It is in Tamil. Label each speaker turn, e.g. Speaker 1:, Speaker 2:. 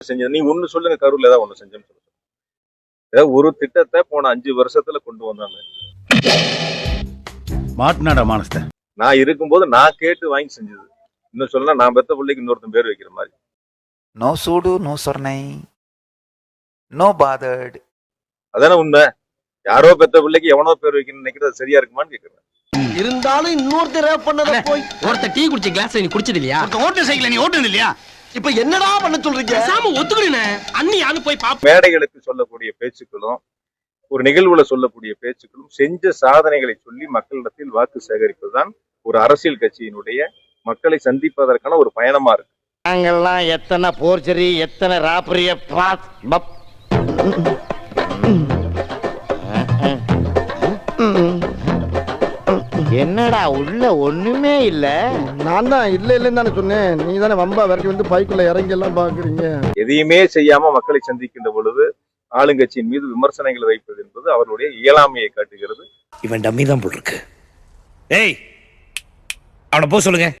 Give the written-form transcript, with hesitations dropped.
Speaker 1: செஞ்சது. நீ ஒண்ணு சொல்லுங்க, கரூர்ல ஏதாவது ஒண்ணு செஞ்சோம்னு சொல்லுங்க. ஏதாவது ஒரு திட்டத்தை போன 5 வருஷத்துல கொண்டு வந்தாங்க.
Speaker 2: மாட்னாடா மானஸ்த.
Speaker 1: நான் இருக்கும்போது நான் கேட்டு வாங்கி செஞ்சது. இன்னும் சொல்லலாம், நான் பெத்த பிள்ளைக்கு இன்னொருத்தன் பேர் வைக்கிற மாதிரி.
Speaker 3: நோ சூடு நோ சொர்ணை நோ பாதர்ட்.
Speaker 1: அதானே உண்மை. யாரோ பெத்த பிள்ளைக்கு எவனோ பேர் வைக்கணும்னு நினைக்கிறது சரியா இருக்குமான்னு கேக்குறேன்.
Speaker 4: இருந்தாலும் இன்னொருத்தர் ரேப் பண்ணத போய்
Speaker 5: ஒருத்தர் டீ குடிச்ச கிளாஸ் நீ குடிச்சது இல்லையா?
Speaker 4: ஓட்டர் சைக்கிள் நீ ஓட்டுனது இல்லையா? இப்ப என்னடா பண்ண சொல்றீங்க?
Speaker 5: சாம ஒத்துக்கிறேனே. அண்ணி யாரு போய் பாப்ப.
Speaker 1: மேடைகளுக்கு சொல்லக்கூடிய பேச்சுக்களும் ஒரு நிகழ்வுல சொல்லக்கூடிய பேச்சுக்களும் செஞ்ச சாதனைகளை சொல்லி மக்களிடத்தில் வாக்கு சேகரிப்பதுதான் ஒரு அரசியல் கட்சியினுடைய மக்களை சந்திப்பதற்கான ஒரு பயணமா இருக்கு.
Speaker 4: நாங்கெல்லாம் எத்தனை போர்ச்சரி எத்தனை ராப்பரிய
Speaker 6: என்னடா உள்ள ஒண்ணுமே இல்ல.
Speaker 4: நான் தான் இல்ல இல்லன்னு தானே சொன்னேன். நீ தானே வம்பா விரட்டி வந்து பைக்குள்ள இறங்கி எல்லாம் பாக்குறீங்க.
Speaker 1: எதையுமே செய்யாம மக்களை சந்திக்கின்ற பொழுது ஆளுங்கட்சியின் மீது விமர்சனங்களை வைப்பது என்பது அவருடைய இயலாமையை காட்டுகிறது.
Speaker 7: இவன் டம்மி தான் போல் இருக்கு. ஏய், அவனை போக சொல்லுங்க.